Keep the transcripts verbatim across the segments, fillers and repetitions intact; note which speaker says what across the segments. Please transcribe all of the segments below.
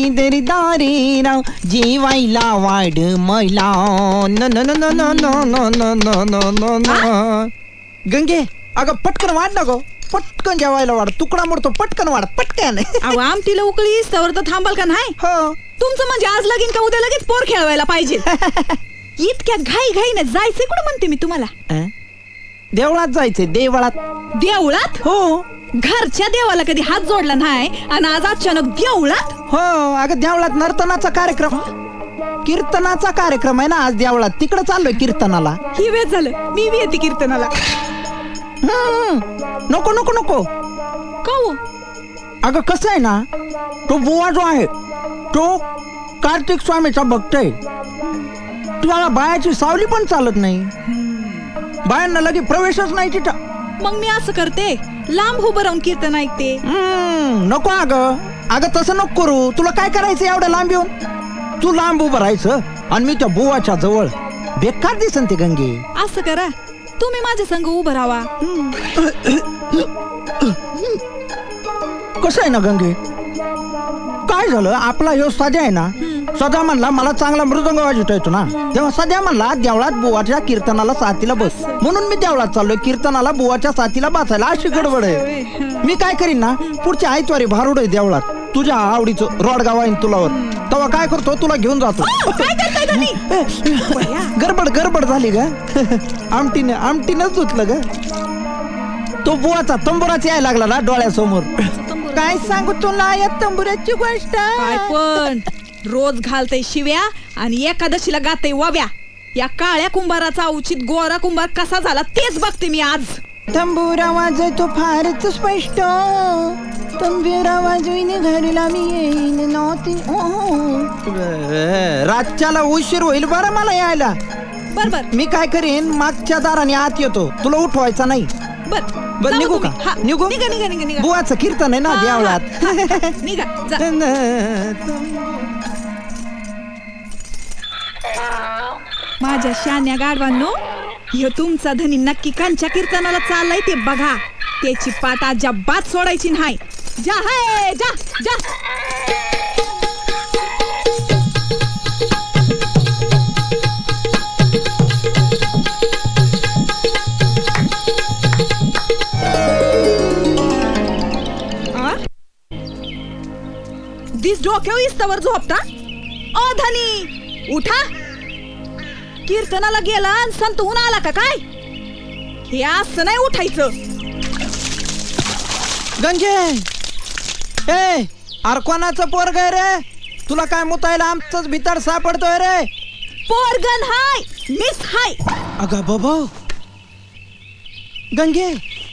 Speaker 1: दरदारी राव जेवायला वाढ मला न न न न न न न न न न न. गंगे अगं पटकन वाढ ना गो, पटकन जेवायला वाढ, तुकडा मोडतो, पटकन वाढ पटकन.
Speaker 2: अहो आमटीला उकळी तवर तर थांबाल का नाही?
Speaker 1: हो
Speaker 2: तुमचं म्हणजे आज लगीन का उद्या लगेच पोर खेळवायला पाहिजे. इतक्या घाई घाईने जायचंय कुठं म्हणते मी तुम्हाला?
Speaker 1: देवळात जायचंय, देवळात.
Speaker 2: देवळात?
Speaker 1: हो.
Speaker 2: घरच्या देवाला कधी हात जोडला नाही आणि आज अचानक देवळात?
Speaker 1: हो अगं देवळात नर्तनाचा कार्यक्रम, कीर्तनाचा कार्यक्रम आहे ना आज देवळात, तिकडे चाललोय कीर्तनाला.
Speaker 2: ही वेळ झालं, मी बी येते कीर्तनाला.
Speaker 1: नको नको नको.
Speaker 2: का हो?
Speaker 1: अगं कसं आहे ना, तो बुवा जो आहे तो कार्तिक स्वामीचा भक्त आहे. तुम्हाला बायाची सावली पण चालत नाही, बायांना लगे प्रवेशच नाही तिथं.
Speaker 2: मग मी असं करते, लांब उभं राहून कीर्तन ऐकते.
Speaker 1: नको अगं, अगं तसं नको करू. तुला काय करायचं एवढं लांब येऊन? तू लांब उभं राहायचं आणि मी त्या बुवाच्या जवळ. बेकार दिसन ते गंगे.
Speaker 2: असं करा, तुम्ही माझ्या संग उभं राहा.
Speaker 1: कसं आहे ना गंगे, काय झालं आपला ह्यो सध्या आहे ना, सध्या म्हणला मला चांगला मृदंग वाजवता येतो ना, तेव्हा सध्या म्हणला देवळात बुवाच्या कीर्तनाला साथीला बस, म्हणून मी देवळात चाललोय कीर्तनाला बुवाच्या साथीला बसायला. अशी गडबड आहे. मी काय करीन ना, पुढच्या आयतवारी भारुड आहे देवळात, तुझ्या आवडीचं रोडगाव आहे तुलावर, तेव्हा काय करतो तुला घेऊन जातो. गडबड गडबड झाली ग. आमटीने आमटीनच धुतलं ग. तो बुवाचा तंबुराच यायला लागला ना डोळ्यासमोर. काय सांगू तुला या तंबुराची गोष्ट.
Speaker 2: काय पण रोज घालते शिव्या आणि एकादशीला गाते वाव्या. या काळ्या कुंभाराचा उचित गोरा कुंभार कसा झाला तेच बघते मी आज.
Speaker 1: तंबुरा वाजतो फारच स्पष्ट, तंबुरा वाजवीने घरीला मी येईन नव्हती. रातच्याला उशीर होईल बरं मला यायला.
Speaker 2: बर बर
Speaker 1: मी काय करीन, मागच्या दाराने आत येतो, तुला उठवायचा नाही.
Speaker 2: बर
Speaker 1: बर निघू का? निघू.
Speaker 2: निघा निघा निघा निघा.
Speaker 1: बुवाचं कीर्तन आहे ना देवळात.
Speaker 2: निघा जा. माझ्या शान्या गाढवांनो, ह्यो तुमचा धनी नक्की कांच्या कीर्तनाला चाललाय ते बघा. त्याची पाट अजिबात सोडायची नाही. जा हाय जा जा. दिस डोक्यावर इस्तवर झोपता? ओ धनी उठा. कीर्तनाला गेला आणि संतहून आला का काय? हे असं नाही उठायचं.
Speaker 1: गंगे ए अरे कोणाचं पोरग आहे रे? तुला काय मुतायला आमचंच भितर सापडतोय रे.
Speaker 2: पोरगन हाय, मिस हाय.
Speaker 1: अगं बाबा गंगे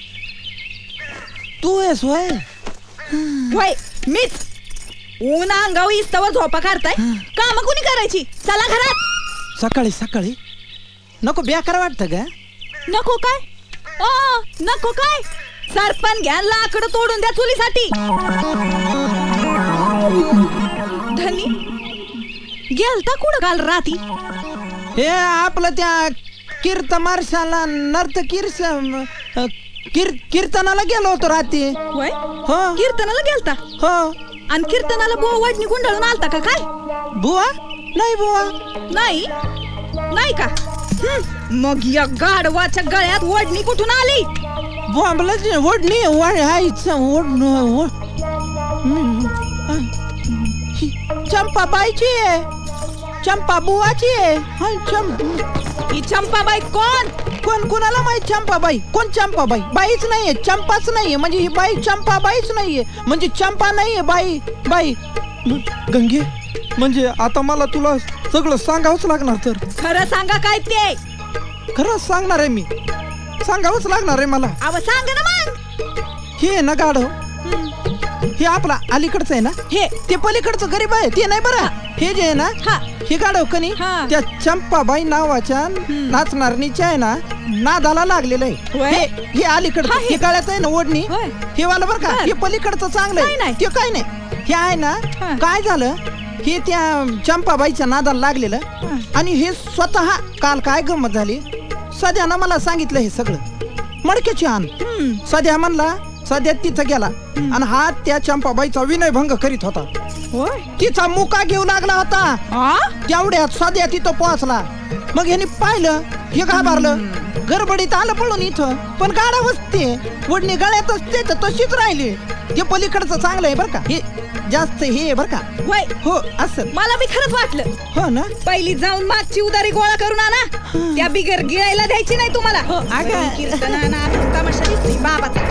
Speaker 1: तू आहेस वय?
Speaker 2: होय मिस. ऊन अंगावर इस्तवर झोपा काढताय, काम कुणी करायची? चला घरात.
Speaker 1: सकाळी सकाळी नको बेकार वाटतं ग.
Speaker 2: नको काय? ओ नको काय? सरपण घ्या, लाकडं तोडून द्या चुलीसाठी. धनी गेलता कुठं काल राती?
Speaker 1: हे आपलं त्या कीर्त मार्शाला नर्त कीर्स कीर कीर्तनाला गेलो होतो रात्री.
Speaker 2: होय
Speaker 1: हो
Speaker 2: कीर्तनाला गेलता?
Speaker 1: हो.
Speaker 2: आणि कीर्तनाला बुवा वाटणी गुंडाळून आलता का काय?
Speaker 1: बुवा नाही बुवा
Speaker 2: नाही नाही का? मग या गाढवाच्या गळ्यात वडणी कुठून आली?
Speaker 1: बुवा वडणी वड चंपाबाईची आहे, चंपा बुवाची आहे.
Speaker 2: ही चंपाबाई कोण?
Speaker 1: कोण कोणाला माहित? चंपाबाई कोण? चंपाबाई बाईच नाहीये, चंपाच नाहीये. म्हणजे ही बाई चंपाबाईच नाहीये, म्हणजे चंपा नाहीये बाई. बाई गंगे म्हणजे आता मला तुला सगळं सांगावंच लागणार. तर
Speaker 2: खरं सांगा काय ते?
Speaker 1: खरंच सांगणार आहे मी, सांगावंच लागणार आहे मला.
Speaker 2: अव सांग ना मग.
Speaker 1: हे ना गाढव, हे आपला अलीकडचं आहे ना, हे ते पलीकडचं गरीब आहे ते नाही बरं. हे जे आहे ना हे गाढव कनी त्या चंपाबाई नावाच्या नाचणारणीच्या आहे ना नादाला लागलेलं आहे. हे अलीकडचं हे गळ्यात आहे ना ओढणी, हे वाला बरं का. हे पलीकडचं चांगलं आहे ते काय नाही. हे आहे ना काय झालं, हे त्या चंपाबाईच्या नादाला लागलेलं. आणि हे स्वतः काल काय गंमत झाली, सध्यानं मला सांगितलं हे सगळं. मडक्याची आण सध्या म्हणला, सध्या तिथं गेला आणि हा त्या चंपाबाईचा विनयभंग करीत होता.
Speaker 2: होय
Speaker 1: तिचा मुका घेऊ लागला होता
Speaker 2: आ
Speaker 1: तेवढ्यात सध्या तिथं पोहोचला. मग यांनी पाहिलं, हे घाबरलं, गडबडीत आलं पळून इथं. पण गाडा वसते वडणी गळ्यातच ते तशीच राहिली. ते पलीकडचं चांगलं आहे बरं का, हे जास्त हे आहे बरं का.
Speaker 2: होय
Speaker 1: हो असं
Speaker 2: मला बी खरंच वाटलं.
Speaker 1: हो ना.
Speaker 2: पहिली जाऊन मागची उदारी गोळा करून आणा, त्या बिगर गिळायला द्यायची नाही तुम्हाला.
Speaker 1: अगं.
Speaker 2: कीर्तनाना तमाशा दिसतोय बाबाचा.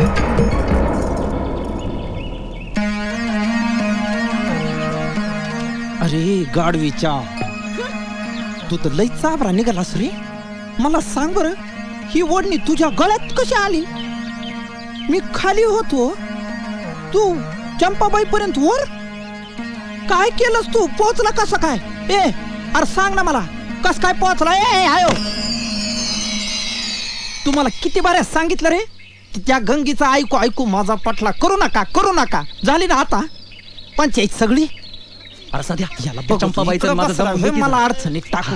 Speaker 1: अरे गाडवीच्या, तू तर लई चाबरा निघालास रे. मला सांग बर, ही ओढणी तुझ्या गळ्यात कशी आली? मी खाली होतो, तू चंपाबाई पर्यंत वर काय केलंस? तू पोहोचला कसा काय? ए अरे सांग ना मला, कस काय पोहोचला? ए आयो, तुम्हाला किती बाऱ्या सांगितलं रे, त्या गंगीचा ऐकू ऐकू माझा पटला करू नका, करू नका. झाली ना आता पंचायत सगळी. अरे सध्या याला बघ,
Speaker 3: चंपाबाईचं माझं
Speaker 1: इकडं
Speaker 3: दम
Speaker 1: बसला, मला अडचणीत टाकू.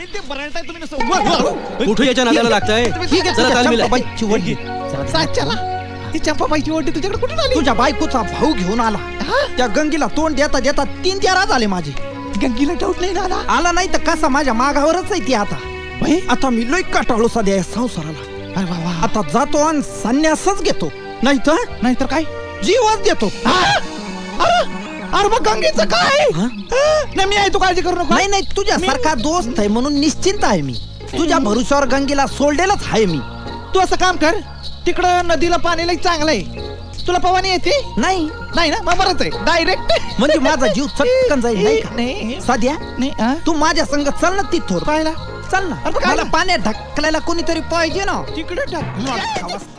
Speaker 3: कुठे याच्या नादाला लागतंय?
Speaker 1: ठीक आहे,
Speaker 3: चला,
Speaker 1: तुझ्या
Speaker 3: तालमीला.
Speaker 1: चंपाबाईची ओढणी.
Speaker 4: ही चंपाबाईची ओढणी तुझ्याकडे कुठून आली?
Speaker 1: तुझ्या बायकोचा भाऊ घेऊन आला. त्या गंगीला तोंड देता देता तीन तेरा झाले माझे.
Speaker 4: गंगीला डाऊट नाही ना आला?
Speaker 1: आला नाही तर कसा माझ्या मागावरच आहे ती आता.
Speaker 4: बाई,
Speaker 1: आता मी लई काटाळू सध्या या संसाराला.
Speaker 4: अरे वा वा.
Speaker 1: आता जातो आणि संन्यासच घेतो, नाही तर
Speaker 4: नाहीतर काय?
Speaker 1: जीवच देतो.
Speaker 4: अरे अरे मग गंगेचं काय?
Speaker 1: हा?
Speaker 4: नाही मी आहे, तू काळजी करू नको.
Speaker 1: नाही नाही, तुझ्या सारखा दोस्त आहे म्हणून निश्चिंत आहे मी. तुझ्या भरोश्यावर गंगेला सोडलेलंच आहे मी.
Speaker 4: तू असं काम कर, तिकडं नदीला पाणी लई चांगलं आहे. तुला पवानी येते?
Speaker 1: नाही
Speaker 4: नाही ना, मग बरंच आहे. डायरेक्ट
Speaker 1: म्हणजे माझा जीव चटकन जाईल, नाही का?
Speaker 4: नाही
Speaker 1: साध्या
Speaker 4: नाही हा?
Speaker 1: तू माझ्या संग चल ना तिथोर.
Speaker 4: पाहिला
Speaker 1: चल ना,
Speaker 4: अरे पण काय
Speaker 1: मला
Speaker 4: ना?
Speaker 1: पाण्यात ढकलायला कोणीतरी पाहिजे ना.
Speaker 4: तिकडे टाक.